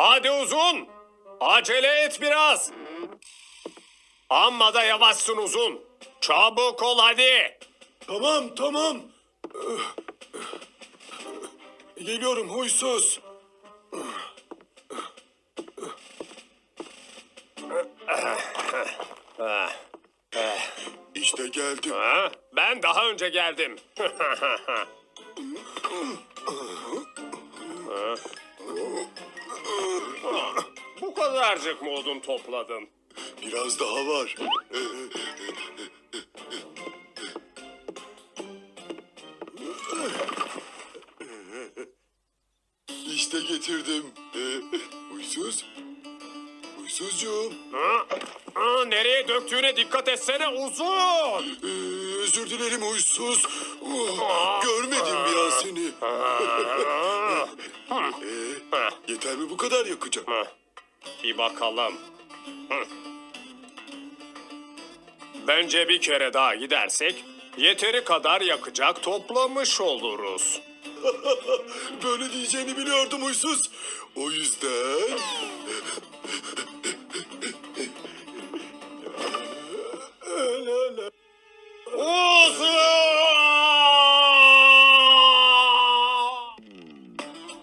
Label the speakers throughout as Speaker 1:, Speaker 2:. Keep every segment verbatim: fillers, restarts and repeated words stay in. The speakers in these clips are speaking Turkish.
Speaker 1: Hadi Uzun. Acele et biraz. Amma da yavaşsın Uzun. Çabuk ol hadi.
Speaker 2: Tamam tamam. Geliyorum huysuz. İşte geldim.
Speaker 1: Ha? Ben daha önce geldim. Bu kadarcık mı odun topladın?
Speaker 2: Biraz daha var. İşte getirdim. Huysuz. Huysuzcuğum.
Speaker 1: Ha? Ha, nereye döktüğüne dikkat etsene Uzun.
Speaker 2: Ee, özür dilerim huysuz. Oh, görmedim bir an seni. Ee, yeter mi bu kadar yakacağım?
Speaker 1: Ha, bir bakalım. Hı. Bence bir kere daha gidersek yeteri kadar yakacak toplamış oluruz.
Speaker 2: Böyle diyeceğini biliyordum huysuz. O yüzden...
Speaker 1: Uzun!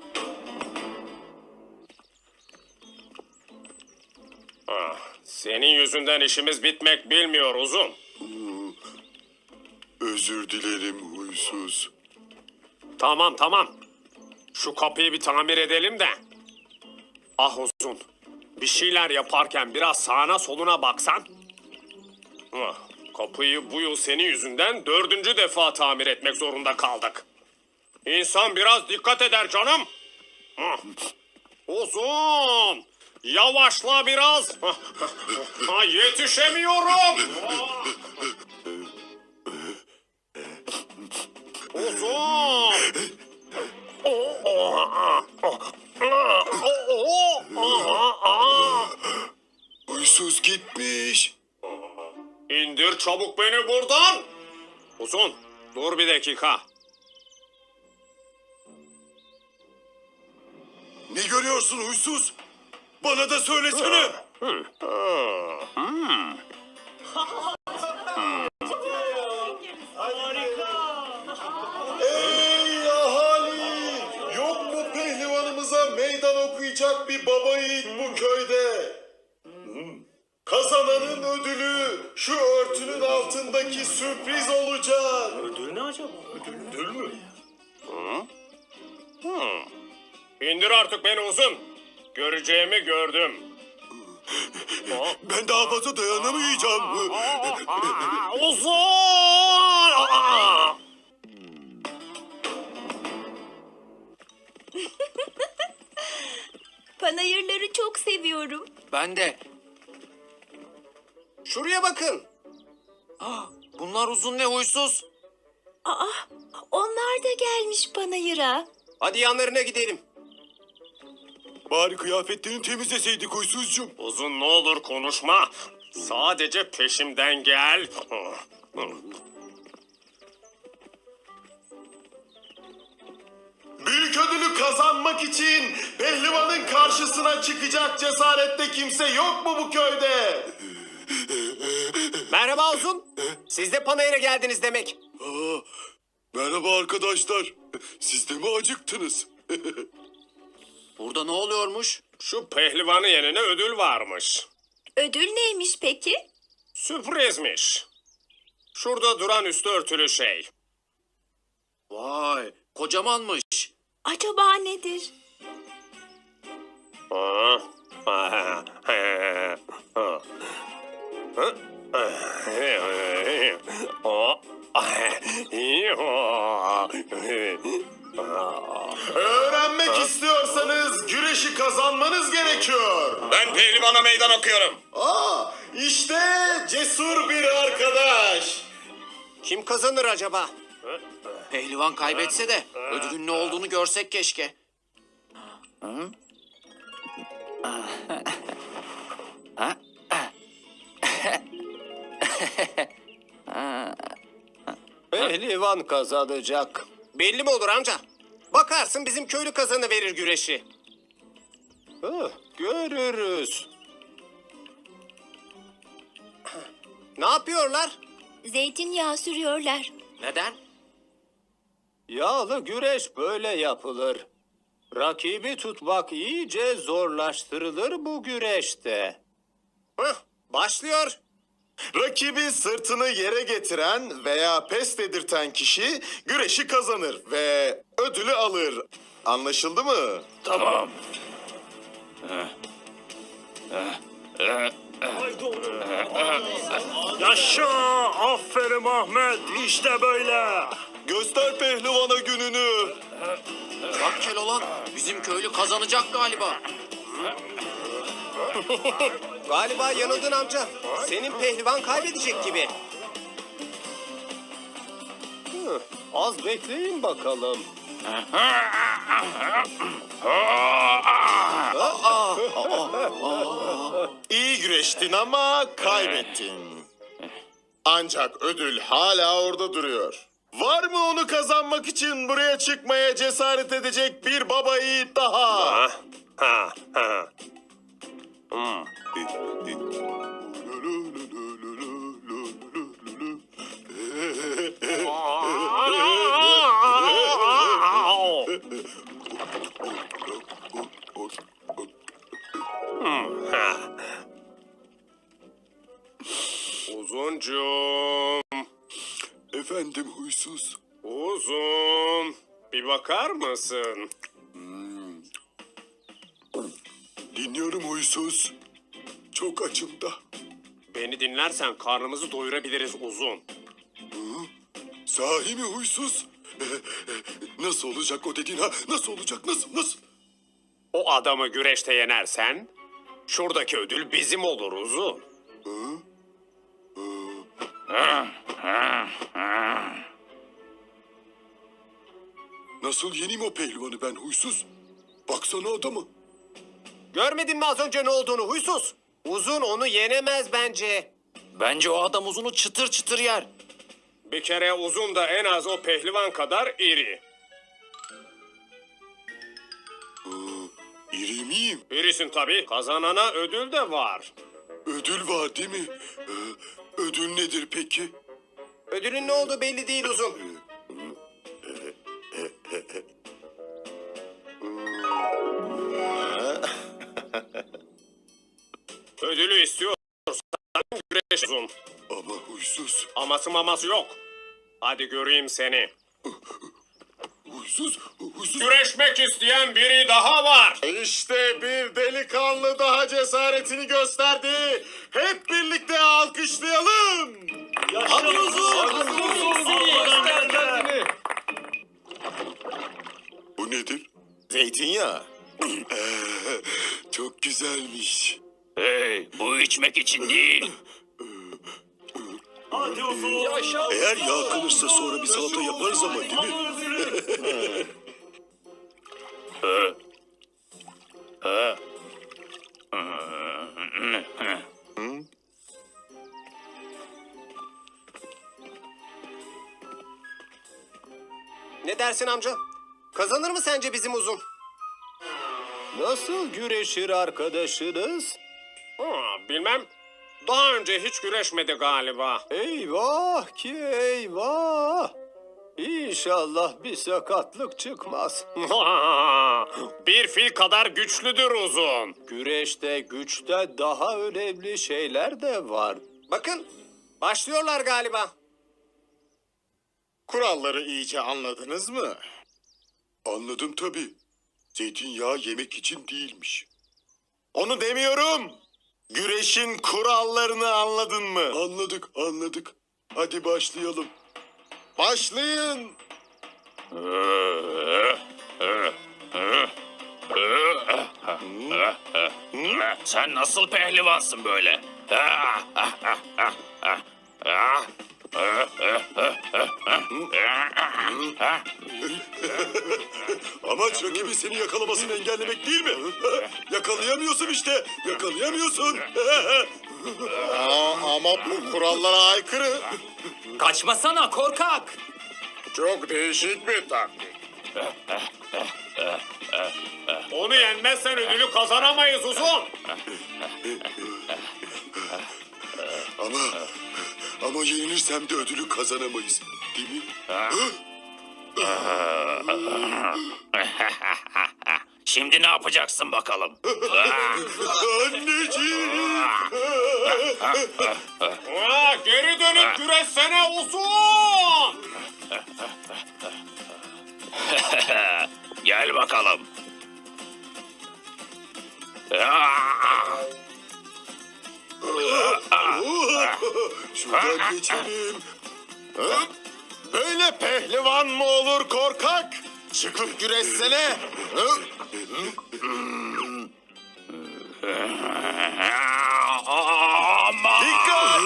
Speaker 1: Ah, senin yüzünden işimiz bitmek bilmiyor Uzun.
Speaker 2: Özür dilerim huysuz.
Speaker 1: Tamam tamam. Şu kapıyı bir tamir edelim de. Ah Uzun. Bir şeyler yaparken biraz sağına soluna baksan. Ah, kapıyı bu yıl senin yüzünden dördüncü defa tamir etmek zorunda kaldık. İnsan biraz dikkat eder canım. Ah, Uzun. Yavaşla biraz. Ah, ah, yetişemiyorum. Ah. Uzun.
Speaker 2: Huysuz gitmiş.
Speaker 1: İndir çabuk beni buradan. Uzun, dur bir dakika.
Speaker 2: Ne görüyorsun huysuz? Bana da söylesene. Ey ahali! Yok mu pehlivanımıza meydan okuyacak bir baba yiğit bu köyde? Kazananın ödülü şu örtünün altındaki sürpriz olacak.
Speaker 1: Ödül ne acaba? Ödül mü? İndir artık beni Uzun. Göreceğimi gördüm.
Speaker 2: Ben daha fazla dayanamayacağım.
Speaker 1: Uzun!
Speaker 3: Panayırları çok seviyorum.
Speaker 4: Ben de.
Speaker 1: Şuraya bakın.
Speaker 4: Ah, bunlar uzun ne huysuz.
Speaker 3: Aa, onlar da gelmiş panayıra.
Speaker 1: Hadi yanlarına gidelim.
Speaker 2: Bari kıyafetlerini temizleseydik huysuzcuğum.
Speaker 1: Uzun ne olur konuşma. Sadece peşimden gel.
Speaker 2: Büyük ödülü kazanmak için pehlivanın karşısına çıkacak cesarette kimse yok mu bu köyde?
Speaker 1: Merhaba Uzun. Siz de panayıra geldiniz demek.
Speaker 2: Aa, merhaba arkadaşlar. Siz de mi acıktınız?
Speaker 4: Burada ne oluyormuş?
Speaker 1: Şu pehlivanı yenene ödül varmış.
Speaker 3: Ödül neymiş peki?
Speaker 1: Sürprizmiş. Şurada duran üstü örtülü şey.
Speaker 4: Vay, kocamanmış.
Speaker 3: Acaba nedir?
Speaker 2: Öğrenmek istiyorsanız güreşi kazanmanız gerekiyor.
Speaker 1: Ben pehlivana meydan okuyorum.
Speaker 2: Aa, işte cesur bir arkadaş.
Speaker 1: Kim kazanır acaba?
Speaker 4: Pehlivan kaybetse de ödülün ne olduğunu görsek keşke.
Speaker 1: Pehlivan kazanacak. Belli mi olur amca? Bakarsın bizim köylü kazanı verir güreşi.
Speaker 5: Hıh, görürüz. Ne yapıyorlar?
Speaker 3: Zeytinyağı sürüyorlar.
Speaker 4: Neden?
Speaker 5: Yağlı güreş böyle yapılır. Rakibi tutmak iyice zorlaştırılır bu güreşte.
Speaker 2: Hıh, başlıyor. Rakibi sırtını yere getiren veya pes dedirten kişi güreşi kazanır ve ödülü alır. Anlaşıldı mı?
Speaker 6: Tamam. Yaşa! Aferin Ahmet. İşte böyle.
Speaker 2: Göster pehlivana gününü.
Speaker 4: Bak Keloğlan, bizim köylü kazanacak galiba.
Speaker 5: Galiba yanıldın amca. Senin pehlivan kaybedecek gibi. Hı, az bekleyin bakalım.
Speaker 2: İyi güreştin ama kaybettin. Ancak ödül hala orada duruyor. Var mı onu kazanmak için buraya çıkmaya cesaret edecek bir baba yiğit daha?
Speaker 1: Ha, ha, ha. Hmm, ha. Uzuncum,
Speaker 2: Efendim huysuz.
Speaker 1: uzun. Bir bakar mısın?
Speaker 2: Dinliyorum huysuz. Çok açım da.
Speaker 1: Beni dinlersen karnımızı doyurabiliriz uzun.
Speaker 2: Sahi mi huysuz? Nasıl olacak o dediğin ha? Nasıl olacak? Nasıl? Nasıl?
Speaker 1: O adamı güreşte yenersen şuradaki ödül bizim olur uzun.
Speaker 2: Nasıl yeneyim o pehlivanı ben huysuz? Baksana adamı.
Speaker 5: Görmedin mi az önce ne olduğunu huysuz? Uzun onu yenemez bence.
Speaker 4: Bence o adam uzunu çıtır çıtır yer.
Speaker 1: Bir kere uzun da en az o pehlivan kadar iri.
Speaker 2: İri miyim?
Speaker 1: İrisin tabii. Kazanana ödül de var.
Speaker 2: Ödül var değil mi? Ee, ödül nedir peki?
Speaker 5: Ödülün ne olduğu belli değil uzun.
Speaker 1: Ödülü istiyorsan güreş uzun.
Speaker 2: Ama huysuz,
Speaker 1: Aması maması yok. Hadi göreyim seni.
Speaker 2: huysuz, huysuz.
Speaker 1: Güreşmek isteyen biri daha var.
Speaker 2: İşte bir delikanlı daha cesaretini gösterdi. Hep birlikte alkışlayalım.
Speaker 6: Hadi uzun.
Speaker 2: Bu nedir? Zeytinyağı. Çok güzelmiş.
Speaker 6: Hey, bu içmek için değil. Hadi uzun. Yaşa.
Speaker 2: Eğer yağ kalırsa sonra bir salata yaparız ama değil mi?
Speaker 5: Ne dersin amca? Kazanır mı sence bizim uzun? Nasıl güreşir arkadaşınız?
Speaker 1: Ha, bilmem. Daha önce hiç güreşmedi galiba.
Speaker 5: Eyvah ki eyvah. İnşallah bir sakatlık çıkmaz.
Speaker 1: Bir fil kadar güçlüdür uzun.
Speaker 5: Güreşte güçte daha önemli şeyler de var. Bakın başlıyorlar galiba.
Speaker 2: Kuralları iyice anladınız mı? Anladım tabii. Zeytinyağı yemek için değilmiş. Onu demiyorum. Güreşin kurallarını anladın mı? Anladık, anladık. Hadi başlayalım. Başlayın.
Speaker 6: Sen nasıl pehlivansın böyle?
Speaker 2: Amaç rakibin seni yakalamasını engellemek değil mi? Yakalayamıyorsun işte. Yakalayamıyorsun. Aa, ama bu kurallara aykırı.
Speaker 6: Kaçmasana korkak.
Speaker 2: Çok değişik bir taktik.
Speaker 1: Onu yenmezsen ödülü kazanamayız uzun.
Speaker 2: Ama ama yenilirsem de ödülü kazanamayız. Değil mi?
Speaker 6: Şimdi ne yapacaksın bakalım?
Speaker 2: Anneciğim.
Speaker 1: Aa, geri dönüp güreşsene uzun.
Speaker 6: Gel bakalım.
Speaker 2: Şuradan geçelim. Ha? Böyle pehlivan mı olur korkak? Çıkıp güreşsene. Ha?
Speaker 6: Aman!
Speaker 2: Dikkat!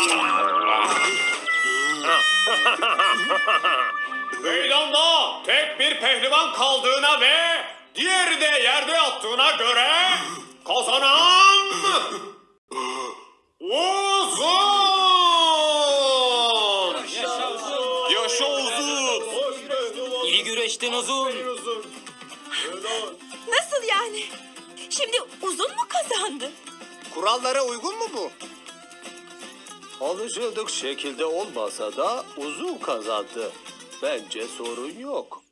Speaker 1: Meydanda tek bir pehlivan kaldığına ve diğeri de yerde yattığına göre kazanan uzun.
Speaker 2: Yaşa uzun.
Speaker 7: İyi güreştin uzun.
Speaker 3: Nasıl yani? Şimdi uzun mu kazandı?
Speaker 5: Kurallara uygun mu bu? Alışıldık şekilde olmasa da uzun kazandı. Bence sorun yok.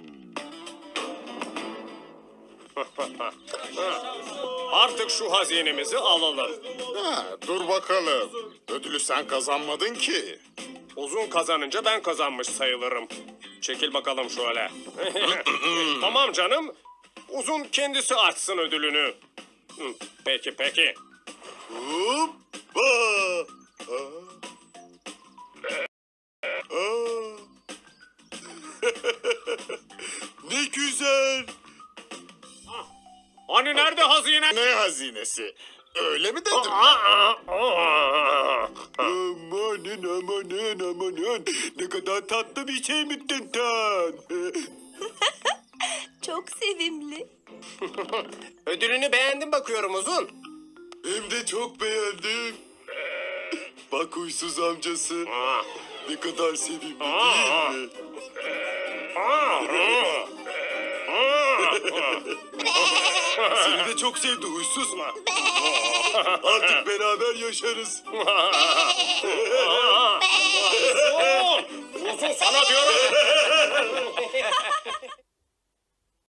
Speaker 1: Artık şu hazinemizi alalım.
Speaker 2: Ha, dur bakalım. Ödülü sen kazanmadın ki.
Speaker 1: Uzun kazanınca ben kazanmış sayılırım. Çekil bakalım şöyle. Tamam canım. Uzun kendisi açsın ödülünü. Hı, Peki peki.
Speaker 2: Hoppa. Aa. Aa. Ne güzel.
Speaker 1: Hani nerede hazine?
Speaker 2: Ne hazinesi? Öyle mi dedim? Amanın amanın amanın. Ne kadar tatlı bir şey mi Tintan?
Speaker 3: Çok sevimli.
Speaker 5: Ödülünü beğendim bakıyorum uzun.
Speaker 2: Hem de çok beğendim. Bak huysuz amcası. Ne kadar sevimli değil mi? Seni de çok sevdi huysuz. Artık beraber yaşarız.
Speaker 1: Uzun sana diyorum.